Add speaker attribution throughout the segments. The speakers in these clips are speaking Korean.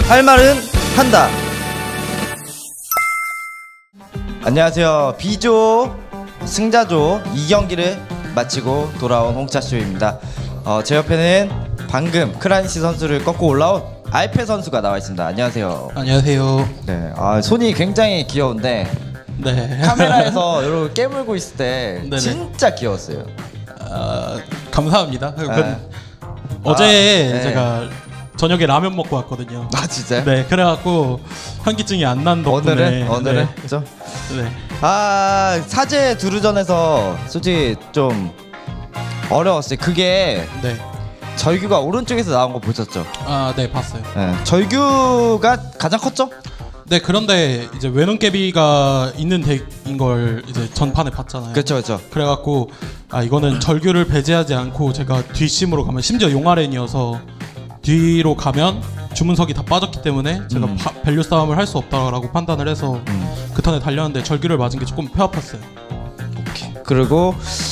Speaker 1: 할 말은 한다. 안녕하세요. B조 승자조 2경기를 마치고 돌아온 홍차쇼입니다. 제 옆에는 방금 크라니시 선수를 꺾고 올라온 알페 선수가 나와 있습니다. 안녕하세요.
Speaker 2: 안녕하세요.
Speaker 1: 네, 손이 굉장히 귀여운데
Speaker 2: 네.
Speaker 1: 카메라에서 이렇게 깨물고 있을 때
Speaker 2: 네네.
Speaker 1: 진짜 귀여웠어요.
Speaker 2: 감사합니다.
Speaker 1: 네.
Speaker 2: 어제
Speaker 1: 네.
Speaker 2: 제가 저녁에 라면 먹고 왔거든요.
Speaker 1: 아 진짜요?
Speaker 2: 네, 그래갖고 현기증이 안 난 덕분에
Speaker 1: 오늘은
Speaker 2: 네.
Speaker 1: 그죠?
Speaker 2: 네.
Speaker 1: 사제 두루전에서 솔직히 좀 어려웠어요. 그게
Speaker 2: 네.
Speaker 1: 절규가 오른쪽에서 나온 거 보셨죠?
Speaker 2: 네, 봤어요.
Speaker 1: 네. 절규가 가장 컸죠?
Speaker 2: 네, 그런데 이제 외눈깨비가 있는 덱인 걸 이제 전판에 봤잖아요.
Speaker 1: 그렇죠.
Speaker 2: 그래갖고 이거는 절규를 배제하지 않고 제가 뒷심으로 가면, 심지어 용아렌이어서 뒤로 가면 주문석이 다 빠졌기 때문에 제가 밸류 싸움을 할 수 없다라고 판단을 해서 그 턴에 달렸는데 절규를 맞은 게 조금 뼈 아팠어요.
Speaker 1: 오케이. 그리고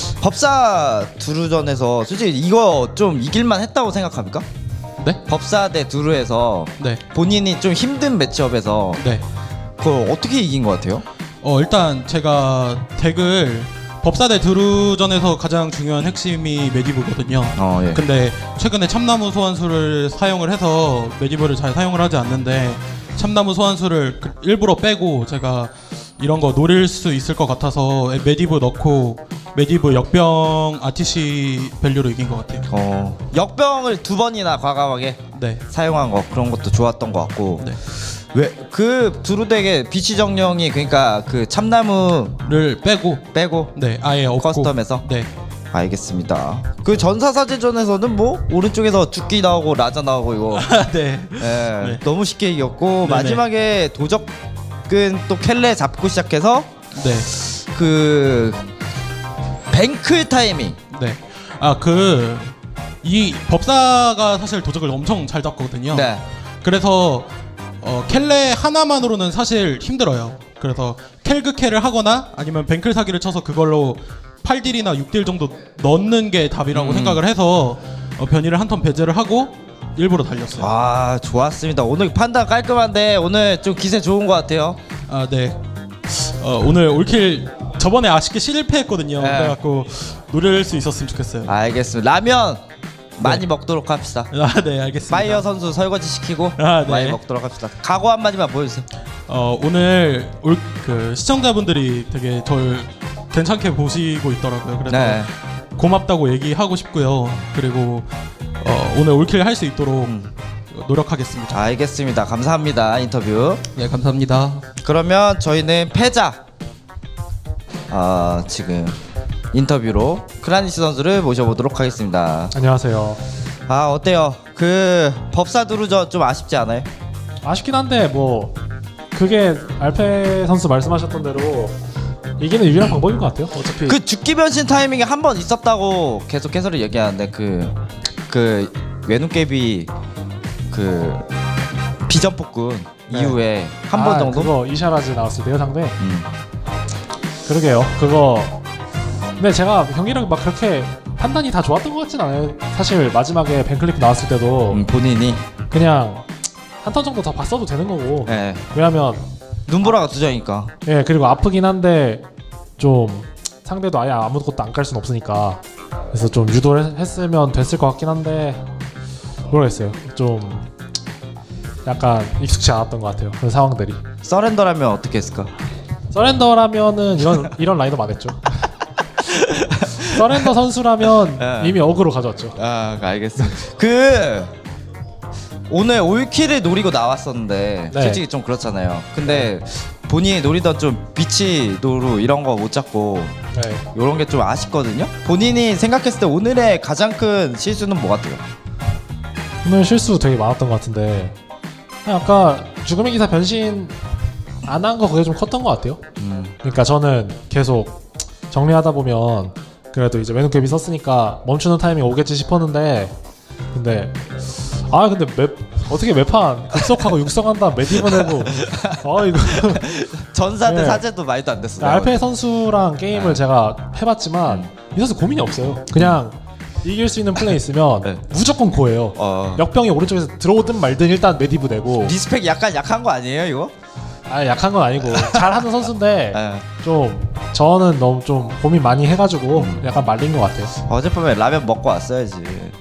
Speaker 1: 법사 두루전에서 솔직히 이거 좀 이길만 했다고 생각합니까?
Speaker 2: 네?
Speaker 1: 법사 대 두루에서
Speaker 2: 네.
Speaker 1: 본인이 좀 힘든 매치업에서
Speaker 2: 네.
Speaker 1: 그걸 어떻게 이긴 것 같아요?
Speaker 2: 일단 제가 덱을 법사대 드루전에서 가장 중요한 핵심이 메디브거든요.
Speaker 1: 예.
Speaker 2: 근데 최근에 참나무 소환수를 사용을 해서 메디브를 잘 사용을 하지 않는데, 참나무 소환수를 일부러 빼고 제가 이런 거 노릴 수 있을 것 같아서 메디브 넣고 메디브 역병 RTC 밸류로 이긴 것 같아요.
Speaker 1: 역병을 2번이나 과감하게
Speaker 2: 네.
Speaker 1: 사용한 거, 그런 것도 좋았던 것 같고.
Speaker 2: 네.
Speaker 1: 왜 그 두루덱의 비치 정령이 그러니까 그 참나무를 빼고
Speaker 2: 네, 아예 없고
Speaker 1: 커스텀에서.
Speaker 2: 네.
Speaker 1: 알겠습니다. 그 전사사제전에서는 뭐 오른쪽에서 죽기 나오고 라자 나오고 이거
Speaker 2: 네.
Speaker 1: 네. 너무 쉽게 이겼고.
Speaker 2: 네네.
Speaker 1: 마지막에 도적은 또 켈레 잡고 시작해서
Speaker 2: 네.
Speaker 1: 그 뱅클 타이밍.
Speaker 2: 네. 이 법사가 사실 도적을 엄청 잘 잡거든요.
Speaker 1: 네.
Speaker 2: 그래서 켈레 하나만으로는 사실 힘들어요. 그래서 켈그캐를 하거나 아니면 뱅클 사기를 쳐서 그걸로 8딜이나 6딜 정도 넣는 게 답이라고 생각을 해서 변이를 한 턴 배제를 하고 일부러 달렸어요.
Speaker 1: 좋았습니다. 오늘 판단 깔끔한데 오늘 좀 기세 좋은 것 같아요.
Speaker 2: 네. 오늘 올킬 저번에 아쉽게 실패했거든요.
Speaker 1: 네.
Speaker 2: 그래갖고 노릴 수 있었으면 좋겠어요.
Speaker 1: 알겠습니다. 라면 많이 먹도록 합시다.
Speaker 2: 네, 알겠습니다.
Speaker 1: 파이어 선수 설거지 시키고
Speaker 2: 네.
Speaker 1: 많이 먹도록 합시다. 각오 한마디만 보여주세요.
Speaker 2: 오늘 그 시청자분들이 되게 절 괜찮게 보시고 있더라고요. 그래서
Speaker 1: 네.
Speaker 2: 고맙다고 얘기하고 싶고요. 그리고 오늘 올킬 할 수 있도록 노력하겠습니다.
Speaker 1: 알겠습니다. 감사합니다. 인터뷰.
Speaker 2: 네, 감사합니다.
Speaker 1: 그러면 저희는 패자 지금 인터뷰로 크라니시 선수를 모셔보도록 하겠습니다.
Speaker 3: 안녕하세요.
Speaker 1: 어때요? 그 법사 두루전 좀 아쉽지 않아요?
Speaker 3: 아쉽긴 한데 뭐 그게 알페 선수 말씀하셨던 대로 이기는 유일한 방법인 것 같아요. 어차피
Speaker 1: 그 죽기 변신 타이밍이 한 번 있었다고 계속 해설을 얘기하는데 그 외눈깨비 그 비전 폭군 이후에 한 번 정도?
Speaker 3: 그거 이샤라즈 나왔을 때요 상대. 그러게요. 그거 근데 제가 경기력 막 그렇게 판단이 다 좋았던 것 같진 않아요. 사실 마지막에 벤클리프 나왔을 때도
Speaker 1: 본인이
Speaker 3: 그냥 한 턴 정도 더 봤어도 되는 거고.
Speaker 1: 네.
Speaker 3: 왜냐면
Speaker 1: 눈보라가 두 장이니까.
Speaker 3: 예, 그리고 아프긴 한데 좀 상대도 아예 아무것도 안 깔 순 없으니까. 그래서 좀 유도를 했으면 됐을 것 같긴 한데 모르겠어요. 좀 약간 익숙치 않았던 것 같아요. 그런 상황들이.
Speaker 1: 서렌더라면 어떻게 했을까?
Speaker 3: 서렌더라면은 이런 라인업 안 했죠. 서렌더 선수라면 이미 어그로 가져왔죠.
Speaker 1: 알겠습니다. 오늘 올킬을 노리고 나왔었는데
Speaker 3: 네.
Speaker 1: 솔직히 좀 그렇잖아요. 근데 본인이 노리던 좀 비치 노루 이런 거 못 잡고
Speaker 3: 네.
Speaker 1: 이런 게 좀 아쉽거든요. 본인이 생각했을 때 오늘의 가장 큰 실수는 뭐 같아요?
Speaker 3: 오늘 실수 되게 많았던 것 같은데 그냥 아까 죽음의 기사 변신 안 한 거 그게 좀 컸던 것 같아요. 그러니까 저는 계속 정리하다 보면 그래도 이제 외눈깨비 썼으니까 멈추는 타이밍 오겠지 싶었는데 근데 어떻게 매판 급속하고 육성한 다음 메디브 내고 이거
Speaker 1: 전사 대
Speaker 3: 네.
Speaker 1: 사제도 말도 안 됐어요.
Speaker 3: 알페 선수랑 게임을 제가 해봤지만 이 선수 고민이 없어요. 그냥 이길 수 있는 플레이 있으면
Speaker 1: 네.
Speaker 3: 무조건 고해요. 역병이 오른쪽에서 들어오든 말든 일단 메디브 내고.
Speaker 1: 리스펙 약간 약한 거 아니에요 이거?
Speaker 3: 아 약한 건 아니고 잘하는 선수인데
Speaker 1: 네.
Speaker 3: 좀 저는 너무 좀 고민 많이 해가지고 약간 말린 것 같아요.
Speaker 1: 어젯밤에 라면 먹고 왔어야지.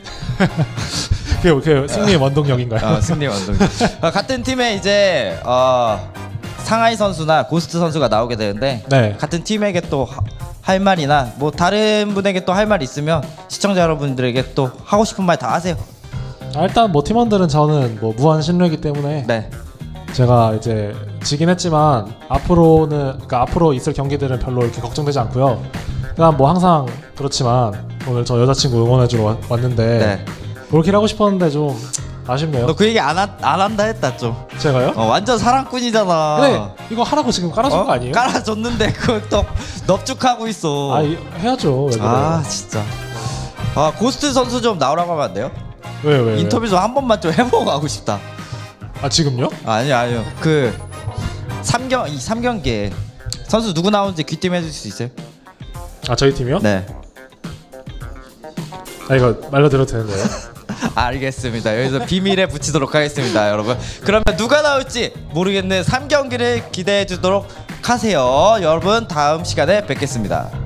Speaker 3: 그게 승리의 원동력인가요?
Speaker 1: 승리 완동. 같은 팀에 이제 상하이 선수나 고스트 선수가 나오게 되는데
Speaker 3: 네.
Speaker 1: 같은 팀에게 또 할 말이나 뭐 다른 분에게 또 할 말 있으면 시청자 여러분들에게 또 하고 싶은 말 다 하세요.
Speaker 3: 일단 뭐 팀원들은 저는 뭐 무한 신뢰이기 때문에
Speaker 1: 네.
Speaker 3: 제가 이제 지긴 했지만 앞으로 있을 경기들은 별로 이렇게 걱정되지 않고요. 그냥 뭐 항상 그렇지만 오늘 저 여자친구 응원해주러 왔는데
Speaker 1: 네.
Speaker 3: 그렇게 하고 싶었는데 좀 아쉽네요.
Speaker 1: 너 그 얘기 안 한다 했다 좀.
Speaker 3: 제가요?
Speaker 1: 완전 사랑꾼이잖아.
Speaker 3: 그래 이거 하라고 지금 깔아준 거 아니에요?
Speaker 1: 깔아줬는데 그걸 또 넙죽하고 있어.
Speaker 3: 해야죠. 왜 그래요?
Speaker 1: 진짜. 고스트 선수 좀 나오라고 하면 안 돼요?
Speaker 3: 왜?
Speaker 1: 인터뷰 좀 한 번만 좀 해보고 가고 싶다.
Speaker 3: 지금요?
Speaker 1: 아니요. 그 3경기에 선수 누구 나오는지 귀띔 해줄 수 있어요?
Speaker 3: 저희 팀이요?
Speaker 1: 네.
Speaker 3: 이거 말로 들어도 되는데요?
Speaker 1: 알겠습니다. 여기서 비밀에 붙이도록 하겠습니다, 여러분. 그러면 누가 나올지 모르겠는 3경기를 기대해 주도록 하세요. 여러분 다음 시간에 뵙겠습니다.